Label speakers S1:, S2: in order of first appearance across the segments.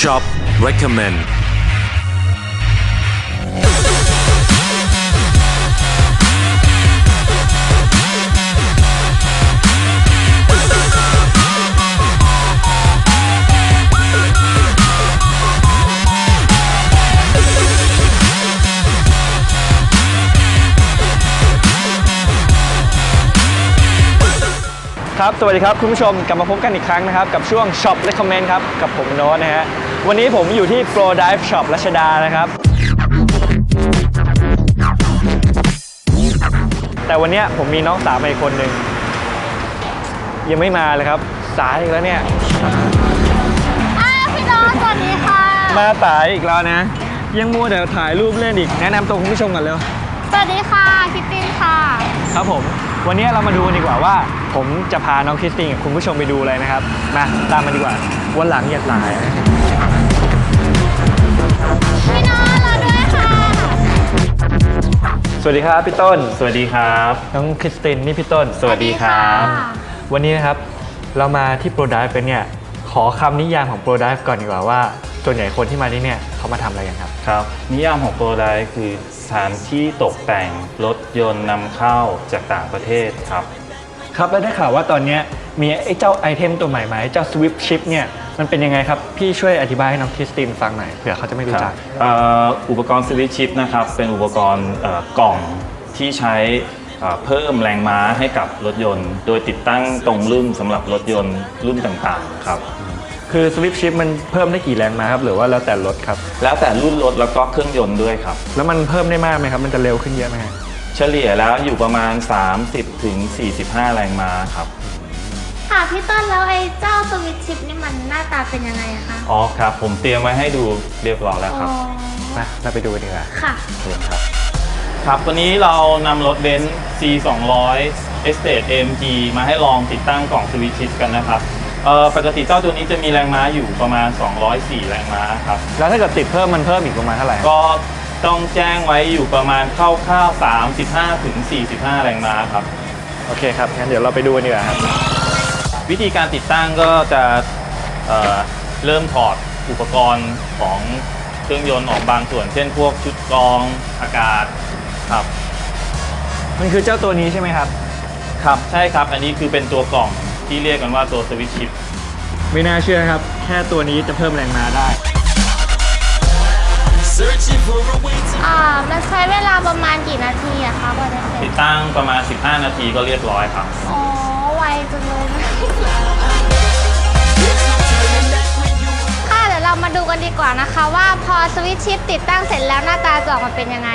S1: Shop Recommend
S2: ครับสวัสดีครับคุณผู้ชมกลับมาพบกันอีกครั้งนะครับกับช่วง Shop Recommend ครับกับผมโน้ตนะฮะวันนี้ผมอยู่ที่ Pro Dive Shop รัชดานะครับแต่วันนี้ผมมีน้องสาวมาอีกคนหนึ่งยังไม่มาเลยครับสายอีกแล้วเนี่ย
S3: พี่โน้ตสวัสดีค่ะ
S2: มาสายอีกแล้วนะยังมัวแต่ถ่ายรูปเล่นอีกแนะนำตัวคุณผู้ชมก่อนเร็ว
S3: สวัสดีค่ะคิตตินค่ะ
S2: ครับผมวันนี้เรามาดูกันดีกว่าว่าผมจะพาน้องคริสตินกับคุณผู้ชมไปดูอะไรนะครับมาตามมาดีกว่าวันหลังอย่าสายนะ
S3: พี่โน้ตรอด้วยค่ะ
S2: สวัสดีครับพี่ต้น
S4: สวัสดีครับ
S2: น้องคริสตินนี่พี่ต้น
S4: สวัสดีครับ
S2: วันนี้นะครับเรามาที่ Pro Dive เป็นเนี่ยขอคำนิยามของ Pro Dive ก่อนดีกว่าว่าส่วนใหญ่คนที่มาที่เนี่ยเขามาทำอะไรกันครับ
S4: ครับนิยามของ Pro Dive คือสถานที่ตกแต่งรถยนต์นำเข้าจากต่างประเทศครับ
S2: ครับแล้วได้ข่าวว่าตอนนี้มีไอ้เจ้าไอเทมตัวใหม่ๆเจ้า Swift Chip เนี่ยมันเป็นยังไงครับพี่ช่วยอธิบายให้น้องคริสตินฟังหน่อยเผื่อเขาจะไม่รู้จัก
S4: อุปกรณ์ Swift Chip นะครับเป็นอุปกรณ์กล่องที่ใช้เพิ่มแรงม้าให้กับรถยนต์โดยติดตั้งตรงรุ่นสำหรับรถยนต์รุ่นต่างๆครับ
S2: คือ Swift Chip มันเพิ่มได้กี่แรงม้าครับหรือว่าแล้วแต่รถครับ
S4: แล้วแต่รุ่นรถแล้วก็เครื่องยนต์ด้วยครับ
S2: แล้วมันเพิ่มได้มากไหมครับมันจะเร็วขึ้นเยอะไหม
S4: เฉลี่ยแล้วอยู่ประมาณ30ถึง45แรงม้าครับ
S3: ค่ะพี่ต้นแล้วไอ้เจ้าสวิตช์ชิปนี่มันหน้าตาเป็นยังไงคะ
S4: อ๋อครับผมเตรียมไว้ให้ดูเรียบร้อยแล้วครับ
S2: มาเราไปดูกันดีกว่า
S3: ค่ะ
S4: เชิญครับครับวันนี้เรานำรถเบนซ์ C200 Estate AMG มาให้ลองติดตั้งกล่องสวิตช์ชิปกันนะครับปกติเจ้าตัวนี้จะมีแรงม้าอยู่ประมาณ204แรงม้าครับ
S2: แล้วถ้าเกิดติดเพิ่มมันเพิ่มอีกประมาณเท่าไหร่
S4: ก็ต้องแจ้งไว้อยู่ประมาณคร่าวๆ35ถึง45แรงม้าครับ
S2: โอเคครับงั้นเดี๋ยวเราไปดูกันดีกว่าครับ
S4: วิธีการติดตั้งก็จะเริ่มถอดอุปกรณ์ของเครื่องยนต์ออกบางส่วนเช่นพวกชุดกรองอากาศครับ
S2: มันคือเจ้าตัวนี้ใช่ไหมครับ
S4: ครับใช่ครับอันนี้คือเป็นตัวกล่องที่เรียกกันว่าตัวสวิตช์ชิป
S2: ไม่น่าเชื่อครับแค่ตัวนี้จะเพิ่มแรงม้าได้
S3: มันใช้เวลาประมาณกี่นาทีอะคะกว่าจะเสร็จ
S4: ติดตั้งประมาณ15นาทีก็เรียบร้อยครับ
S3: อ๋อไวจังเลยนะค่ะเดี๋ยวเรามาดูกันดีกว่านะคะว่าพอสวิตช์ชิปติดตั้งเสร็จแล้วหน้าตาจะออกมาเป็นยังไง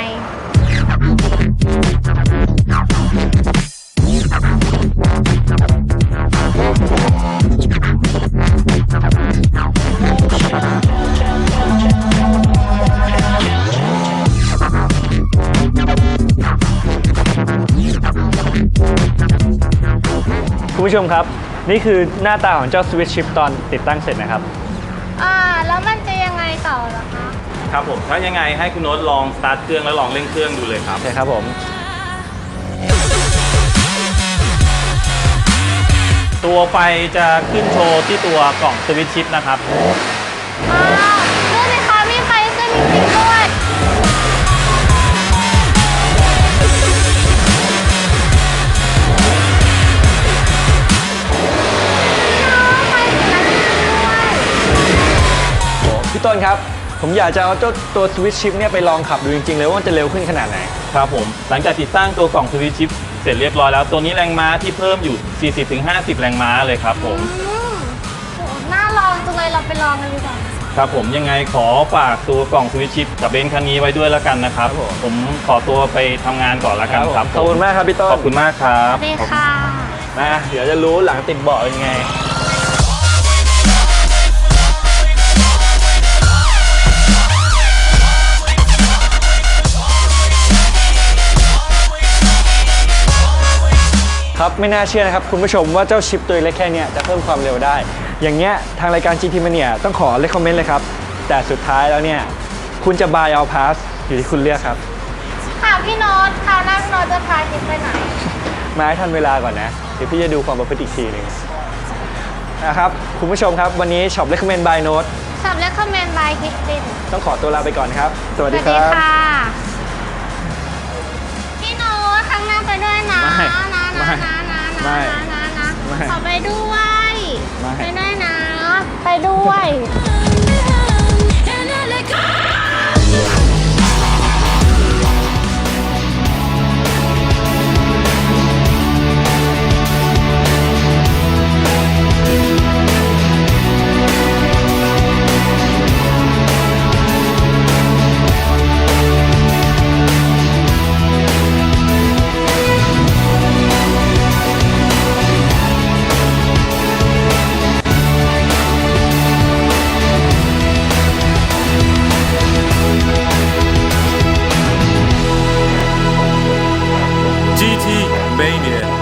S2: คุณผู้ชมครับนี่คือหน้าตาของเจ้า Switch Chip ตอนติดตั้งเสร็จนะครับ
S3: แล้วมันจะยังไงต่อเหรอคะ
S4: ครับผมถ้ายังไงให้คุณโน้ตลองสตาร์ทเครื่องแล้วลองเร่งเครื่องดูเลยครับ
S2: ใช่ครับผม
S4: ตัวไฟจะขึ้นโชว์ที่ตัวกล่องสวิตช์ชิปนะครับ
S3: ดูสิคะมีไฟขึ้นจริงๆด้วย
S2: พี่ต้นครับผมอยากจะเอาตัว Switch Chip เนี่ยไปลองขับดูจริงๆเลยว่ามันจะเร็วขึ้นขนาดไหน
S4: ครับผมหลังจากติดตั้งตัวกล่องสวิตช์ชิปเสร็จเรียบร้อยแล้วตัวนี้แรงม้าที่เพิ่มอยู่ 40-50 แรงม้าเลยครับผม
S3: น่าลองจังเลยเราไปลองกันดีกว่า
S4: ครับผมยังไงขอฝากตัวกล่องสวิตช์ชิปกับเบนซ์คันนี้ไว้ด้วยแล้วกันนะครับผมขอตัวไปทำงานก่อนแล้วกันครับ
S2: ขอบคุณมากครับพี่ต้น
S4: ขอบคุณมากครับ
S3: สวัสดีค่ะ
S2: เดี๋ยวจะรู้หลังติดเบาะเป็นไงครับไม่น่าเชื่อนะครับคุณผู้ชมว่าเจ้าชิปตัวเล็กแค่นี้จะเพิ่มความเร็วได้อย่างเงี้ยทางรายการ GT Mania ต้องขอเลคคอมเมนต์เลยครับแต่สุดท้ายแล้วเนี่ยคุณจะ buy or pass อยู่ที่คุณเลือกครับ
S3: ค่ะพี่โน้ตคราวหน้าพี่โน้ตจะพาทิปไปไหน
S2: มาให้ทันเวลาก่อนนะเดี๋ยวพี่จะดูความประพฤติอีกทีนึงนะครับคุณผู้ชมครับวันนี้ Shop Recommend by Note
S3: ช็อป Recommend by คริสติน
S2: ต้องขอตัวลาไปก่อนครับ สวัส
S3: ส
S2: ดี
S3: วัส
S2: ค
S3: ดี
S2: รับ
S3: ค่ะ พี่โน้ตครั้งหน้าไปด้วยนะ
S2: ไม่
S3: นะ
S2: ไม่
S3: นะนะ
S2: ไม่
S3: นะนะนะ
S2: ไม่
S3: ขอไปด้วย
S2: ไม่
S3: ไปด้วยนะ ไปด้วย
S1: GT Mania